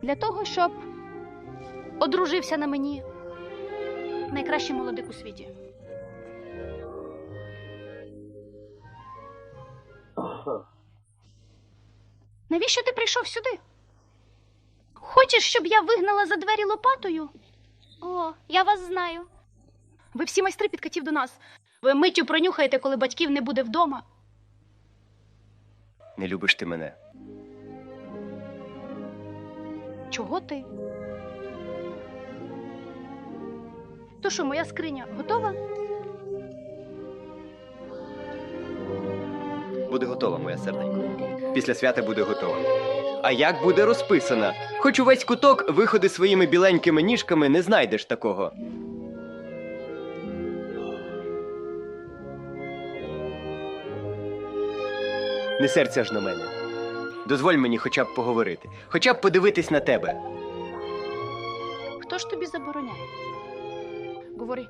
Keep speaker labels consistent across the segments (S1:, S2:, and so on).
S1: Для того, щоб одружився на мені найкращий молодик у світі. Навіщо ти прийшов сюди? Хочеш, щоб я вигнала за двері лопатою? О, я вас знаю. Ви всі майстри підкатів до нас. Ви миттю пронюхаєте, коли батьків не буде вдома.
S2: Не любиш ти мене.
S1: Чого ти? То що, моя скриня готова?
S2: Буде готова, моя серденько. Після свята буде готова. А як буде розписана? Хоч увесь куток виходи своїми біленькими ніжками, не знайдеш такого. Не серця ж на мене. Дозволь мені хоча б поговорити. Хоча б подивитись на тебе.
S1: Хто ж тобі забороняє? Говори.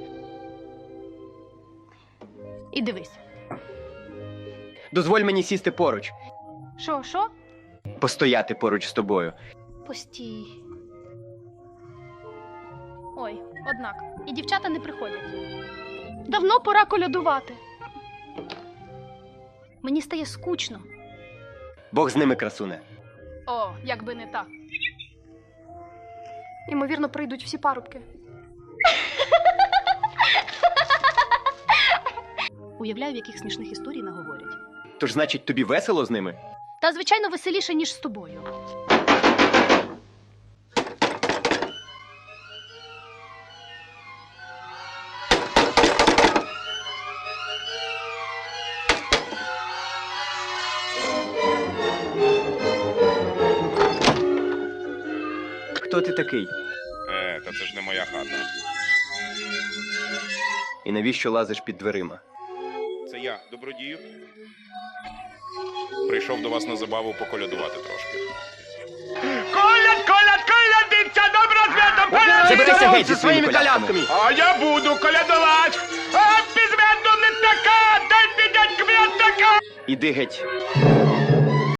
S1: І дивись.
S2: Дозволь мені сісти поруч.
S1: Що?
S2: Постояти поруч з тобою.
S1: Постій. Ой, однак, і дівчата не приходять. Давно пора колядувати. Мені стає скучно.
S2: Бог з ними, красуне.
S1: О, якби не так. Ймовірно, прийдуть всі парубки. Уявляю, в яких смішних історій наговорять.
S2: Тож, значить, тобі весело з ними?
S1: Та, звичайно, веселіше, ніж з тобою.
S2: Хто ти такий?
S3: Та це ж не моя хата.
S2: І навіщо лазиш під дверима?
S3: Це я, добродію. Прийшов до вас на забаву поколядувати трошки.
S4: Колядиться, добро святом колядиться!
S2: Заберися геть зі своїми колядками!
S4: А я буду колядувати! А без меду не така, дай підять к м'ятака!
S2: Іди геть.